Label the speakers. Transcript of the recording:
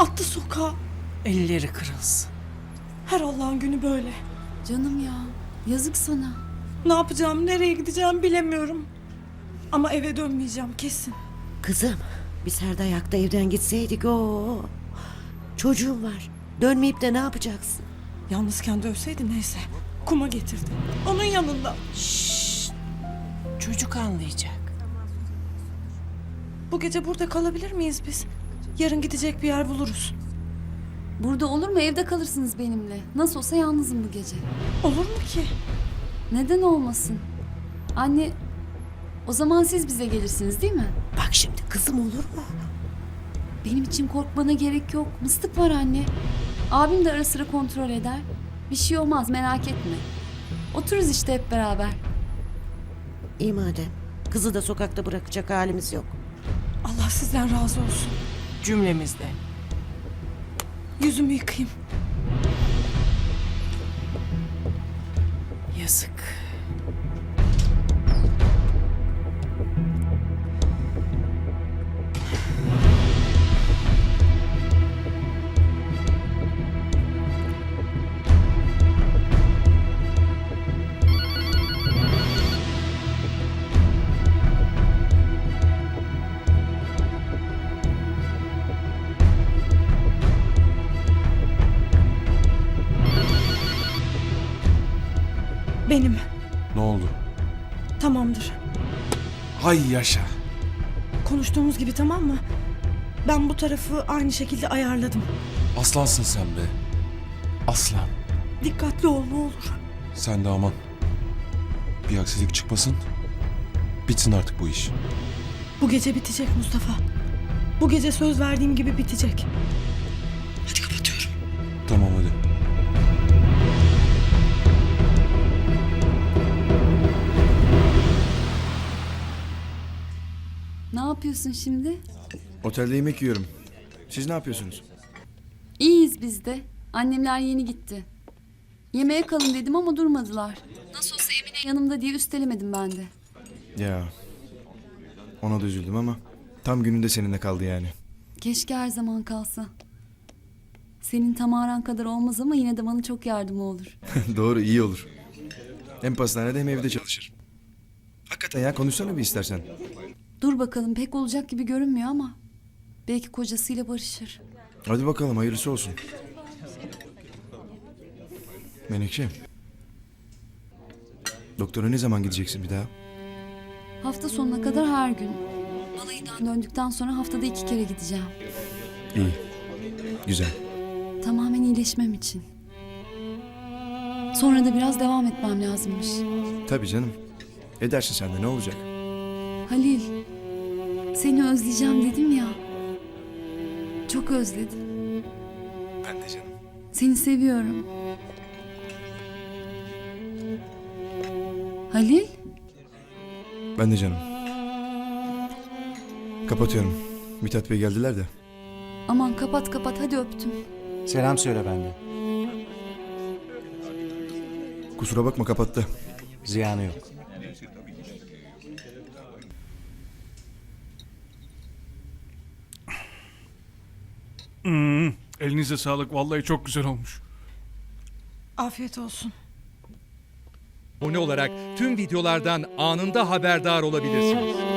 Speaker 1: Attı sokağa.
Speaker 2: Elleri kırılsın.
Speaker 1: Her Allah'ın günü böyle.
Speaker 3: Canım ya, yazık sana.
Speaker 1: Ne yapacağım, nereye gideceğim bilemiyorum. Ama eve dönmeyeceğim kesin.
Speaker 4: Kızım, biz her dayakta evden gitseydik o. Çocuğum var. Dönmeyip de ne yapacaksın?
Speaker 1: Yalnızken dövseydi neyse. Kuma getirdi. Onun yanında.
Speaker 2: Çocuk anlayacak.
Speaker 1: Bu gece burada kalabilir miyiz biz? Yarın gidecek bir yer buluruz.
Speaker 3: Burada olur mu? Evde kalırsınız benimle. Nasıl olsa yalnızım bu gece.
Speaker 1: Olur mu ki?
Speaker 3: Neden olmasın? Anne, o zaman siz bize gelirsiniz değil mi?
Speaker 4: Bak şimdi kızım, olur mu?
Speaker 3: Benim için korkmana gerek yok. Mıstık var anne. Abim de ara sıra kontrol eder. Bir şey olmaz, merak etme. Otururuz işte hep beraber.
Speaker 4: İyi madem. Kızı da sokakta bırakacak halimiz yok.
Speaker 1: Allah sizden razı olsun.
Speaker 2: Cümlemizde.
Speaker 1: Yüzümü yıkayayım.
Speaker 2: Yazık.
Speaker 1: Benim.
Speaker 5: Ne oldu?
Speaker 1: Tamamdır.
Speaker 5: Hay yaşa.
Speaker 1: Konuştuğumuz gibi, tamam mı? Ben bu tarafı aynı şekilde ayarladım.
Speaker 5: Aslansın sen be. Aslan.
Speaker 1: Dikkatli ol ne olur.
Speaker 5: Sen de aman. Bir aksilik çıkmasın. Bitsin artık bu iş.
Speaker 1: Bu gece bitecek Mustafa. Bu gece söz verdiğim gibi bitecek. Hadi kapatıyorum.
Speaker 5: Tamam hadi.
Speaker 3: Ne yapıyorsun şimdi?
Speaker 6: Otelde yemek yiyorum. Siz ne yapıyorsunuz?
Speaker 3: İyiyiz biz de. Annemler yeni gitti. Yemeğe kalın dedim ama durmadılar. Nasıl olsa Emine yanımda diye üstelemedim ben de.
Speaker 6: Ya. Ona da üzüldüm ama tam gününde seninle kaldı yani.
Speaker 3: Keşke her zaman kalsa. Senin Tamaran kadar olmaz ama yine de bana çok yardımı olur.
Speaker 6: Doğru, iyi olur. Hem pastanede hem evde çalışır. Hakikaten ya, konuşsana bir istersen.
Speaker 3: Dur bakalım, pek olacak gibi görünmüyor ama belki kocasıyla barışır.
Speaker 6: Hadi bakalım, hayırlısı olsun. Menekşe. Doktora ne zaman gideceksin bir daha?
Speaker 3: Hafta sonuna kadar her gün. Balayından döndükten sonra haftada 2 kere gideceğim.
Speaker 6: İyi. Güzel.
Speaker 3: Tamamen iyileşmem için. Sonra da biraz devam etmem lazımmış.
Speaker 6: Tabii canım. Edersin sen de, ne olacak?
Speaker 3: Halil, seni özleyeceğim dedim ya. Çok özledim.
Speaker 6: Ben de canım.
Speaker 3: Seni seviyorum. Halil,
Speaker 6: Ben de canım. Kapatıyorum. Mithat Bey geldiler de.
Speaker 3: aman kapat kapat, hadi öptüm.
Speaker 7: Selam söyle benden.
Speaker 6: Kusura bakma, kapattı.
Speaker 7: Ziyanı yok.
Speaker 8: Elinize sağlık. Vallahi çok güzel olmuş.
Speaker 1: Afiyet olsun.
Speaker 9: Abone olarak tüm videolardan anında haberdar olabilirsiniz.